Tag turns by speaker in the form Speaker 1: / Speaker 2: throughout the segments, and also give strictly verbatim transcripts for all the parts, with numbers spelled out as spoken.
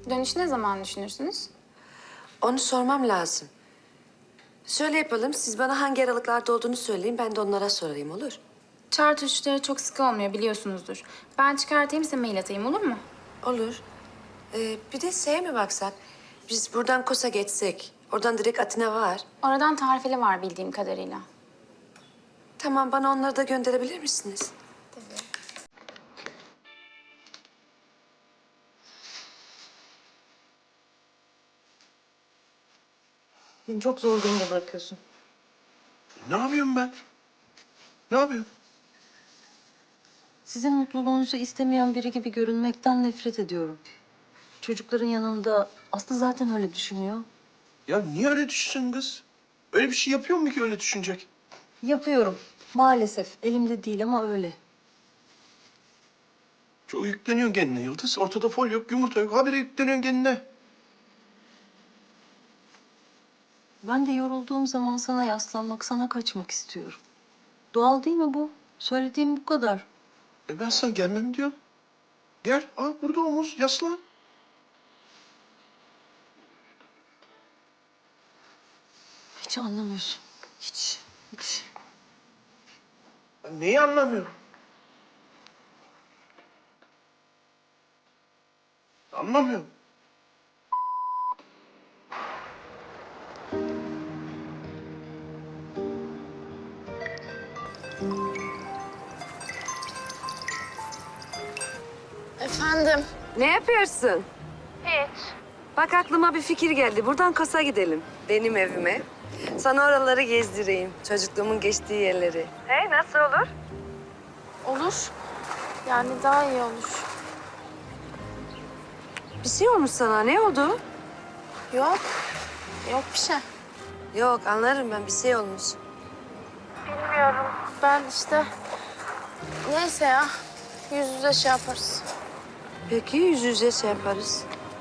Speaker 1: Dönüşü ne zaman düşünürsünüz?
Speaker 2: Onu sormam lazım. Şöyle yapalım, siz bana hangi aralıklarda olduğunu söyleyin, ben de onlara sorayım, olur?
Speaker 1: Çağrı uçuşları çok sık olmuyor biliyorsunuzdur. Ben çıkartayım size mail atayım olur mu?
Speaker 2: Olur. Ee, bir de şeye mi baksak? Biz buradan Kos'a geçsek, oradan direkt Atina var.
Speaker 1: Oradan tarifeli var bildiğim kadarıyla.
Speaker 2: Tamam, bana onları da gönderebilir misiniz?
Speaker 3: Beni çok zor durumda bırakıyorsun.
Speaker 4: Ne yapıyorum ben? Ne yapıyorum?
Speaker 3: Sizin mutluluğunuzu istemeyen biri gibi görünmekten nefret ediyorum. Çocukların yanında Aslı zaten öyle düşünüyor.
Speaker 4: Ya niye öyle düşünsün kız? Öyle bir şey yapıyor mu ki öyle düşünecek?
Speaker 3: Yapıyorum. Maalesef elimde değil ama öyle.
Speaker 4: Çok yükleniyorsun kendine Yıldız. Ortada fol yok, yumurta yok. Habire yükleniyorsun kendine.
Speaker 3: Ben de yorulduğum zaman sana yaslanmak, sana kaçmak istiyorum. Doğal değil mi bu? Söylediğim bu kadar.
Speaker 4: E ben sana gelmem diyorum. Gel, al burada omuz, yaslan.
Speaker 3: Hiç anlamıyorsun. Hiç, hiç.
Speaker 4: Ben neyi anlamıyorum? Anlamıyorum.
Speaker 1: Efendim?
Speaker 2: Ne yapıyorsun?
Speaker 1: Hiç.
Speaker 2: Bak aklıma bir fikir geldi. Buradan Kos'a gidelim. Benim evime. Sana oraları gezdireyim. Çocukluğumun geçtiği yerleri. Hey, nasıl olur?
Speaker 1: Olur. Yani daha iyi olur.
Speaker 2: Bir şey olmuş sana. Ne oldu?
Speaker 1: Yok. Yok bir şey.
Speaker 2: Yok, anlarım ben. Bir şey olmuş.
Speaker 1: Bilmiyorum. Ben işte... Neyse ya. Yüz yüze şey yaparız.
Speaker 2: Peki, yüz yüze şey yaparız.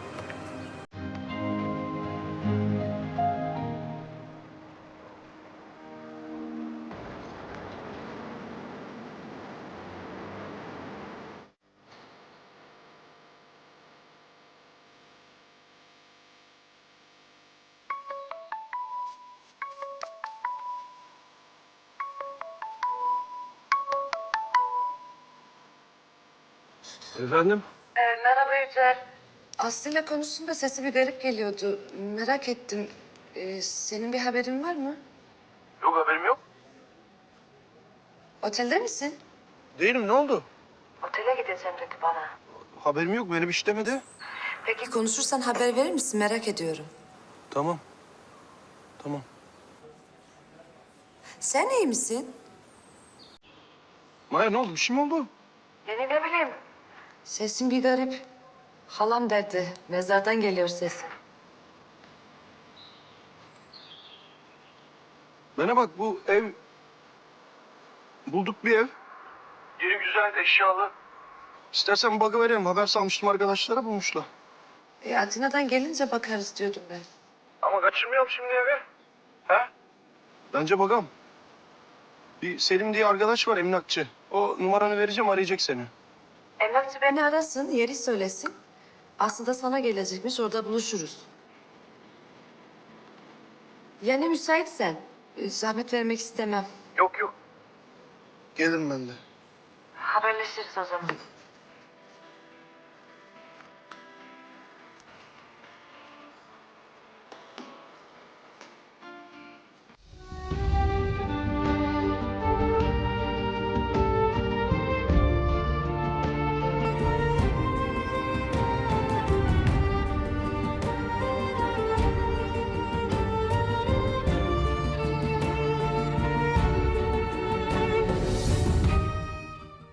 Speaker 4: Efendim?
Speaker 2: Ee, merhaba Yücel. Aslı'yla konuştum da sesi bir garip geliyordu. Merak ettim. Ee, senin bir haberin var mı?
Speaker 4: Yok haberim yok.
Speaker 2: Otelde misin?
Speaker 4: Değilim, ne oldu?
Speaker 2: Otele gideceğim dedi bana.
Speaker 4: Haberim yok, böyle bir şey demedi.
Speaker 2: Peki konuşursan haber verir misin? Merak ediyorum.
Speaker 4: Tamam. Tamam.
Speaker 2: Sen iyi misin?
Speaker 4: Maya ne oldu, bir şey mi oldu?
Speaker 2: Yani ne bileyim. Sesin bir garip. Halam derdi. Mezardan geliyor sesin.
Speaker 4: Bana bak, bu ev... Bulduk bir ev. Yeri güzel, eşyalı. İstersen bakıverelim. Haber salmıştım arkadaşlara, bulmuşlar.
Speaker 2: E, Atina'dan gelince bakarız diyordum ben.
Speaker 4: Ama kaçırmayalım şimdi evi. He? Bence bakalım. Bir Selim diye arkadaş var, emlakçı. O numaranı vereceğim, arayacak seni.
Speaker 2: Emlakçı beni arasın, yeri söylesin. Aslı da sana gelecekmiş, orada buluşuruz. Yani müsaitsen. e, Zahmet vermek istemem.
Speaker 4: Yok yok. Gelirim ben de.
Speaker 2: Haberleşiriz o zaman.